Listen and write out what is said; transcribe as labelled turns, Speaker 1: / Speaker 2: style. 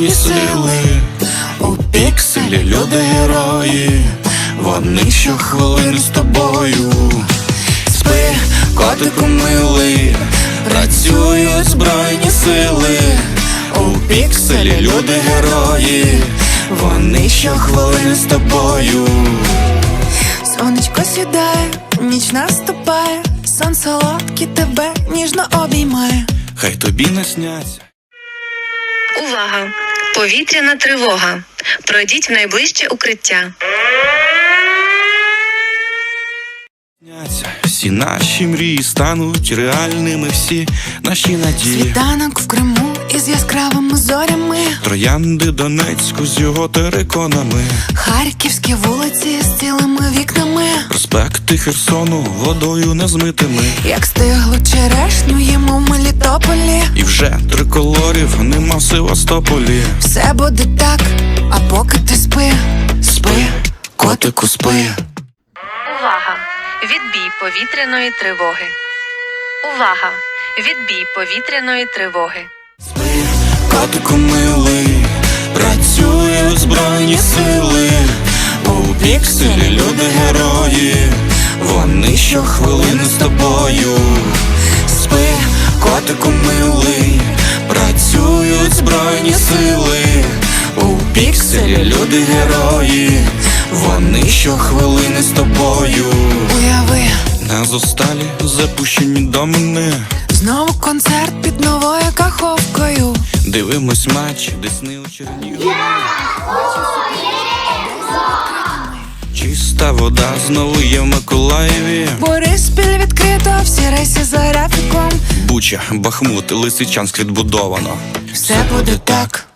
Speaker 1: збройні сили. У пікселі люди герої, вони щохвилини з тобою. Спи, котику милий, працюють збройні сили. У пікселі люди герої, вони щохвилини з тобою.
Speaker 2: Сонечко сідає, ніч наступає, сон солодкий тебе ніжно обіймає.
Speaker 1: Хай тобі насняться.
Speaker 3: Увага! Повітряна тривога. Пройдіть в найближче укриття.
Speaker 1: Всі наші мрії стануть реальними, всі наші надії.
Speaker 2: Світанок в Криму із яскравими зорями,
Speaker 1: Троянди Донецьку з його териконами,
Speaker 2: харківські вулиці з цілими вікнами,
Speaker 1: проспекти Херсону водою незмитими.
Speaker 2: як стиглу черешню їмо в Мелітополі.
Speaker 1: І вже триколорів нема в Севастополі.
Speaker 2: Все буде так, а поки ти спи,
Speaker 1: Спи, котику, спи.
Speaker 3: Увага! Відбій повітряної тривоги. Увага! Відбій повітряної тривоги.
Speaker 1: Спи, котику милий, працюють збройні сили. У пікселі люди герої, вони щохвилини з тобою. Спи, котику милий, працюють збройні сили. У пікселі люди герої, вони щохвилини з тобою.
Speaker 2: уяви,
Speaker 1: На зосталі запущені домини,
Speaker 2: знову концерт під новою каховкою.
Speaker 1: дивимось матч, Десни у Чернігові. Чиста вода знову є в Миколаєві.
Speaker 2: Бориспіль відкрито, всі рейси за графіком.
Speaker 1: Буча, Бахмут, Лисичанськ відбудовано.
Speaker 2: Все буде так,